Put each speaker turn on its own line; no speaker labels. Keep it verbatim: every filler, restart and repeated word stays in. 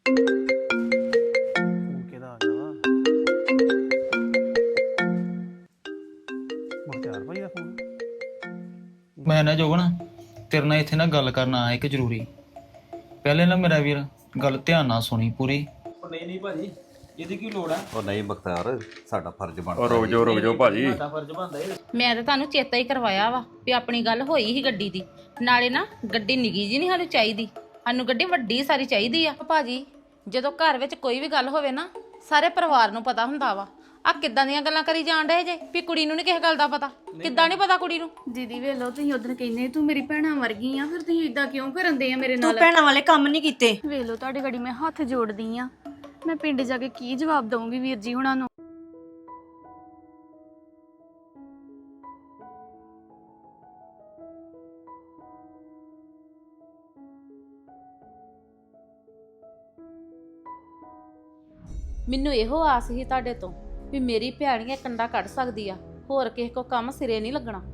Phone ਕਿਹਦਾ ਆ ਗਿਆ ਵਾ ਮੁਖਤਿਆਰ ਭਾਈ ਦਾ ਫੋਨ।
ਮੈਂ ਨਾ ਜੋਗਣ ਤੇਰੇ ਨਾਲ ਇੱਥੇ ਨਾ ਗੱਲ ਕਰਨ ਆਇਆ ਇੱਕ ਜ਼ਰੂਰੀ। ਪਹਿਲੇ ਨਾ ਮੇਰਾ ਵੀਰ ਗੱਲ ਧਿਆਨ ਨਾਲ ਸੁਣੀ ਪੂਰੀ।
ਉਹ ਨਹੀਂ ਨਹੀਂ ਭਾਜੀ ਇਹਦੀ ਕੀ ਲੋੜ ਆ?
ਉਹ ਨਹੀਂ ਬਖਤਿਆਰ ਸਾਡਾ ਫਰਜ਼ ਬਣਦਾ।
ਉਹ ਰੁਕ ਜਾਓ ਰੁਕ ਜਾਓ ਭਾਜੀ।
ਸਾਡਾ ਫਰਜ਼ ਬਣਦਾ ਇਹ।
ਮੈਂ ਤਾਂ ਤੁਹਾਨੂੰ ਚੇਤਾ ਹੀ ਕਰਵਾਇਆ ਵਾ ਵੀ ਆਪਣੀ ਗੱਲ ਹੋਈ ਸੀ ਗੱਡੀ ਦੀ। ਨਾਲੇ ਨਾ ਗੱਡੀ ਨਿੱਕੀ ਜੀ ਨਹੀਂ ਸਾਨੂੰ ਚਾਹੀਦੀ, ਸਾਨੂੰ ਗੱਡੀ ਵੱਡੀ ਸਾਰੀ ਚਾਹੀਦੀ ਆ। ਭਾਜੀ ਜਦੋਂ ਘਰ ਵਿੱਚ ਕੋਈ ਵੀ ਗੱਲ ਹੋਵੇ ਨਾ ਸਾਰੇ ਪਰਿਵਾਰ ਨੂੰ ਪਤਾ ਹੁੰਦਾ ਵਾ। ਆ ਕਿੱਦਾਂ ਦੀਆਂ ਗੱਲਾਂ ਕਰੀ ਜਾਣ ਡਏ ਜੇ ਵੀ ਕੁੜੀ ਨੂੰ ਨਹੀਂ ਕਿਸੇ ਗੱਲ ਦਾ ਪਤਾ? ਕਿੱਦਾਂ ਨਹੀਂ ਪਤਾ ਕੁੜੀ ਨੂੰ?
ਦੀਦੀ ਵੇਖ ਲਓ ਤੁਸੀਂ ਉਦੋਂ ਕਹਿੰਦੇ ਤੂੰ ਮੇਰੀ ਭੈਣਾਂ ਵਰਗੀ ਆ, ਫਿਰ ਤੁਸੀਂ ਇਦਾਂ ਕਿਉਂ ਕਰਨ ਦੇ ਆ ਮੇਰੇ
ਤੂੰ
ਨਾਲ?
ਭੈਣਾਂ ਵਾਲੇ ਕੰਮ ਨਹੀਂ ਕੀਤੇ।
ਵੇਖ ਲਓ ਤੁਹਾਡੀ ਗੜੀ ਮੈਂ ਹੱਥ ਜੋੜਦੀ ਆ, ਮੈਂ ਪਿੰਡ ਜਾ ਕੇ ਕੀ ਜਵਾਬ ਦਵਾਂਗੀ ਵੀਰ ਜੀ ਹੁਣਾਂ ਨੂੰ?
ਮੈਨੂੰ ਇਹੋ ਆਸ ਸੀ ਤੁਹਾਡੇ ਤੋਂ ਵੀ ਮੇਰੀ ਭੈਣ ਇਹ ਕੰਡਾ ਕੱਢ ਸਕਦੀ ਆ, ਹੋਰ ਕਿਸੇ ਕੋ ਕੰਮ ਸਿਰੇ ਨਹੀਂ ਲੱਗਣਾ।